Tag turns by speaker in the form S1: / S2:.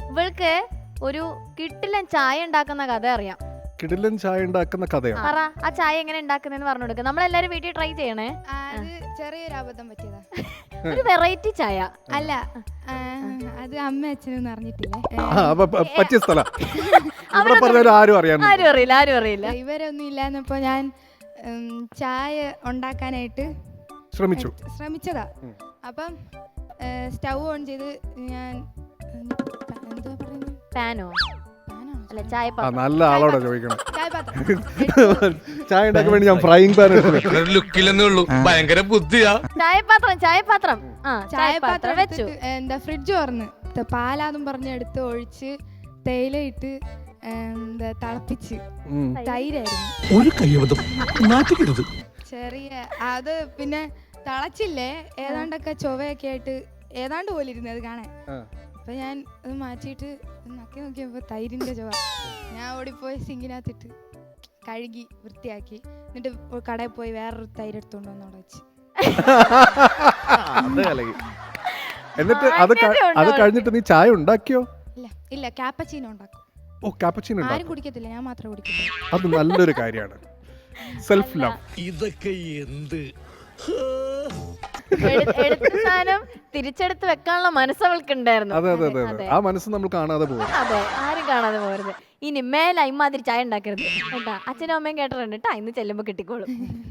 S1: ഇവൾക്ക് ഒരു കിട്ടിലൻ ചായ ഉണ്ടാക്കുന്ന കഥ അറിയാം.
S2: കിടിലൻ ചായ ഉണ്ടാക്കുന്ന കഥയാണ്.
S1: പറ ആ ചായ എങ്ങനെ ഉണ്ടാക്കുന്നതെന്ന് പറഞ്ഞു കൊടുക്കുക. നമ്മളെല്ലാരും വീട്ടിൽ ട്രൈ ചെയ്യണേ.
S3: അത് ചെറിയൊരു അബദ്ധം പറ്റിയതാ.
S1: ഒരു വെറൈറ്റി ചായ
S3: അല്ല, അത് അമ്മ അച്ഛനൊന്നും അറിഞ്ഞിട്ടില്ലേ.
S2: പറ്റിയ സ്ഥലം ഇവിടെ പറഞ്ഞാലും ആരും അറിയാൻ
S1: ആരും അറിയില്ല.
S3: ഇവരൊന്നും ഇല്ലാന്നപ്പോ ഞാൻ ചായ ഉണ്ടാക്കാനായിട്ട് ശ്രമിച്ചതാ. അപ്പം സ്റ്റൗ ഓൺ ചെയ്ത് ഞാൻ എന്താ പറയുന്നത്,
S1: പാനോ അല്ല ചായപാത്രം.
S2: നല്ല ആളോടെ ചോദിക്കണം.
S3: ചായപാത്രം
S2: ചായ ഉണ്ടാക്കാൻ വേണ്ടി ഞാൻ ഫ്രൈയിങ് പാൻ
S4: ലുക്കില്ലെന്നേ ഉള്ളൂ, ഭയങ്കര ബുദ്ധിയാ.
S1: ചായപാത്രം
S3: ചായപാത്രം
S1: വെച്ചു.
S3: എന്താ ഫ്രിഡ്ജ് തുറന്ന് പാലാന്നും പറഞ്ഞ് എടുത്ത് ഒഴിച്ച് തേയില ഇട്ട് എന്താ തിളപ്പിച്ച് തൈരായിരുന്നു.
S4: ഒരു കയ്യബദ്ധം നാട്ടിക്കരുത്.
S3: ചെറിയ അത് പിന്നെ തിളച്ചില്ലേ, ഏതാണ്ടൊക്കെ ചൊവയൊക്കെ ആയിട്ട് ഏതാണ്ട് പോലെ ഇരുന്നത് കാണാൻ. അപ്പൊ ഞാൻ അത് മാറ്റിയിട്ട് നക്കി നോക്കിയപ്പോ തൈരിന്റെ ചൊവ. ഞാൻ ഓടിപ്പോയി സിങ്കിനകത്തിട്ട് കഴുകി വൃത്തിയാക്കി, എന്നിട്ട് കടയിൽ പോയി വേറൊരു തൈര് എടുത്തോണ്ട് വന്നോടെ വെച്ച്.
S2: എന്നിട്ട് അത് കഴിഞ്ഞിട്ട് നീ ചായ ഉണ്ടാക്കിയോ?
S3: ഇല്ല കാപ്പച്ചീനോ ഉണ്ടാക്കും.
S2: ഓ, കാപ്പച്ചീനോ
S3: ആരും കുടിക്കത്തില്ല, ഞാൻ മാത്രമേ കുടിക്കത്തില്ല.
S2: അത് നല്ലൊരു കാര്യമാണ്. Self love.
S4: ഇതൊക്കെ എന്ത്
S1: എടുത്ത സാധനം തിരിച്ചെടുത്ത് വെക്കാനുള്ള മനസ്സ് അവൾക്ക് ഉണ്ടായിരുന്നു.
S2: അതെ, ആ മനസ്സ് നമ്മൾ കാണാതെ പോകും.
S1: അതെ, ആരും കാണാതെ പോകരുത്. ഇനി മേലെ ഇമ്മാതിരി ചായ ഉണ്ടാക്കരുത് കേട്ടാ. അച്ഛനും അമ്മയും കേട്ടിട്ടുണ്ട് കേട്ടാ. ഇന്ന് ചെല്ലുമ്പോ കിട്ടിക്കോളും.